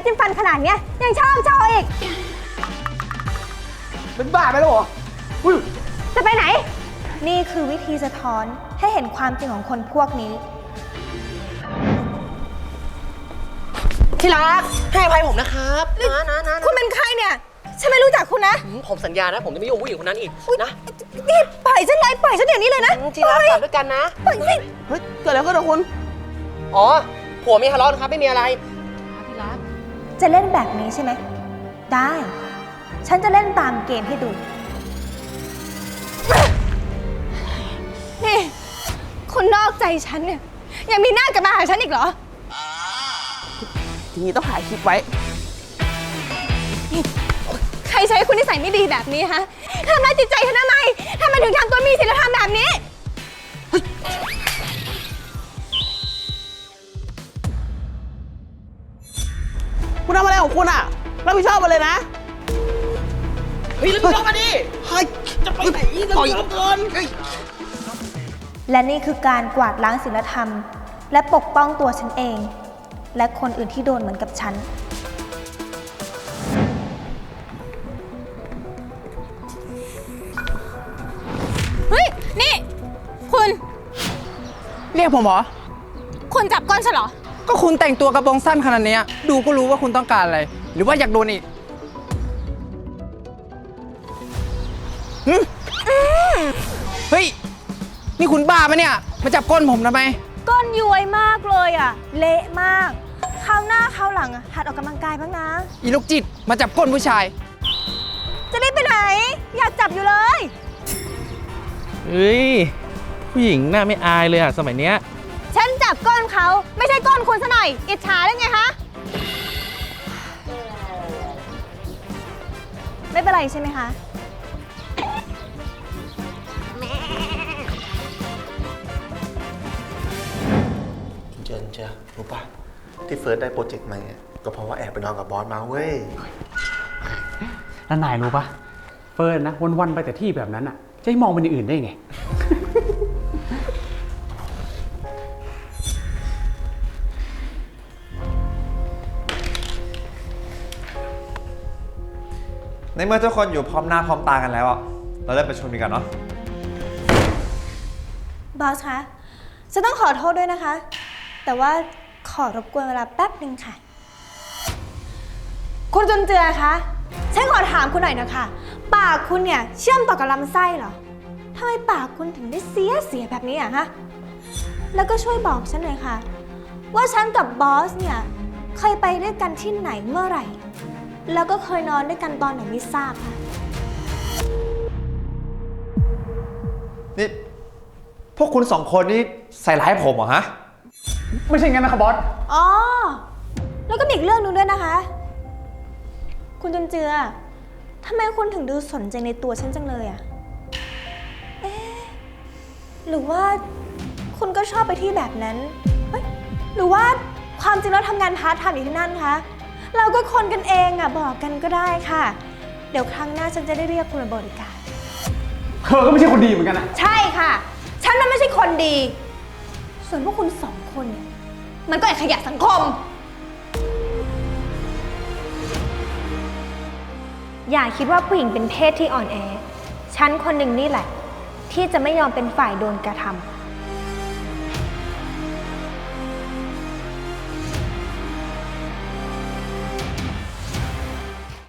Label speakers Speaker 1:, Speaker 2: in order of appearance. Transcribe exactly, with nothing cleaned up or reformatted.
Speaker 1: จิ้มฟันขนาดเนี้ยยังชอบโชว์อีก
Speaker 2: เป็นบ้าไปแล้วเหรอ
Speaker 1: จะไปไหนนี่คือวิธีสะท้อนให้เห็นความจริงของคนพวกนี้
Speaker 3: ที่รักให้อภัยผมนะครับนะนะนะ
Speaker 1: คุณเป็นใครเนี่ยฉันไม่รู้จักคุณนะ
Speaker 3: ผมสัญญานะผมจะไม่ยุ่งผู้หญิงคนนั้นอีกนะ
Speaker 1: นี่ปล่อยฉันเลยปล่อยฉันเดี๋ยวนี้เลยนะ
Speaker 3: ที่รักกลับด้วยกันนะ
Speaker 1: ปล่อยสิ
Speaker 2: เฮ้ยเกิดอะไรขึ้นกับคุณ
Speaker 3: อ๋อผัวมีทะเลาะนะครับไม่มีอะไรที่รัก
Speaker 1: จะเล่นแบบนี้ใช่ไหมได้ฉันจะเล่นตามเกมให้ดูนี่คุณนอกใจฉันเนี่ยยังมีหน้ากลับมาหาฉันอีกเหรอ
Speaker 2: ทีนี้ต้องถ่ายคลิปไว้
Speaker 1: ใครใช้คุณนิสัยไม่ดีแบบนี้ฮะทำร้ายจิตใจฉันทำไมทำไมถึงทำตัวมีศีลธรรมแบบนี้
Speaker 2: คุณทำอะไรของคุณอ่ะรับผิดชอบมาเลยนะ
Speaker 3: เฮ้ยรับผิดชอบมาดิเฮ้ยจะไปไหนรับผิดชอบเกิน
Speaker 1: และนี่คือการกวาดล้างศีลธรรมและปกป้องตัวฉันเองและคนอื่นที่โดนเหมือนกับฉันเฮ้ยนี่คุณ
Speaker 2: เรียกผมเหรอ
Speaker 1: คุณจับก้นฉันเหรอ
Speaker 2: ก็คุณแต่งตัวกระโปรงสั้นขนาดนี้ดูก็รู้ว่าคุณต้องการอะไรหรือว่าอยากโดนอีกเฮ้ยนี่คุณบ้าปะเนี่ยมาจับก้นผมทำไม
Speaker 1: ก้นย้วยมากเลยอ่ะเละมากคราวหน้าคราวหลังอ่ะหัดออกกำลังกายบ้างนะ
Speaker 2: อีลูกจิตมาจับก้นผู้ชาย
Speaker 1: จะรีบไปไหนอยากจับอยู่เลย
Speaker 4: เฮ้ยผู้หญิงหน้าไม่อายเลยอะสมัยเนี้ย
Speaker 1: ฉันจับก้นเขาไม่ใช่ก้นคุณซะหน่อยอิจฉาได้ไงคะไม่เป็นไรใช่ไหมคะ
Speaker 5: เจนเจ้ารู้ป่ะที่เฟิร์สได้โปรเจกต์มาเนี่ยก็เพราะว่าแอบไปนอนกับบอสมาเว้ย
Speaker 6: แล้วนายรู้ป่ะเฟิร์นนะวันๆไปแต่ที่แบบนั้นอ่ะจะให้มองเป็นอย่างอื่นได้ไง
Speaker 7: ในเมื่อทุกคนอยู่พร้อมหน้าพร้อมตากันแล้วอ่ะเราเริ่มประชุมกันเนาะ
Speaker 1: บอสคะฉันต้องขอโทษด้วยนะคะแต่ว่าขอรบกวนเวลาแป๊บหนึ่งค่ะคุณจุนเจือคะฉันขอถามคุณหน่อยนะคะปากคุณเนี่ยเชื่อมต่อกับลำไส้เหรอทำไมปากคุณถึงได้เสียเสียแบบนี้อะฮะแล้วก็ช่วยบอกฉันหน่อยค่ะว่าฉันกับบอสเนี่ยเคยไปด้วยกันที่ไหนเมื่อไหร่แล้วก็เคยนอนด้วยกันตอนไหนไม่ทราบค่ะ
Speaker 7: นี่พวกคุณสองคนนี่ใส่ร้ายผมเหรอฮะ
Speaker 6: ไม่ใช่งั้นนะครับบอส
Speaker 1: อ๋อแล้วก็มีอีกเรื่องนึงด้วยนะคะคุณจุนเจือทำไมคุณถึงดูสนใจในตัวฉันจังเลยอะเอ๊ะหรือว่าคุณก็ชอบไปที่แบบนั้นเฮ้ยหรือว่าความจริงแล้วทำงานพาร์ทไทม์อยู่ที่นั่นคะเราก็คนกันเองอะบอกกันก็ได้ค่ะเดี๋ยวครั้งหน้าฉันจะได้เรียกคุณมาบริการ
Speaker 6: เธอก็ไม่ใช่คนดีเหมือนกันนะ
Speaker 1: ใช่ค่ะฉันน่ะไม่ใช่คนดีส่วนพวกคุณสองคนเนี่ยมันก็ไอ้ขยะสังคมอย่าคิดว่าผู้หญิงเป็นเพศที่อ่อนแอฉันคนหนึ่งนี่แหละที่จะไม่ยอมเป็นฝ่ายโดนกระทำ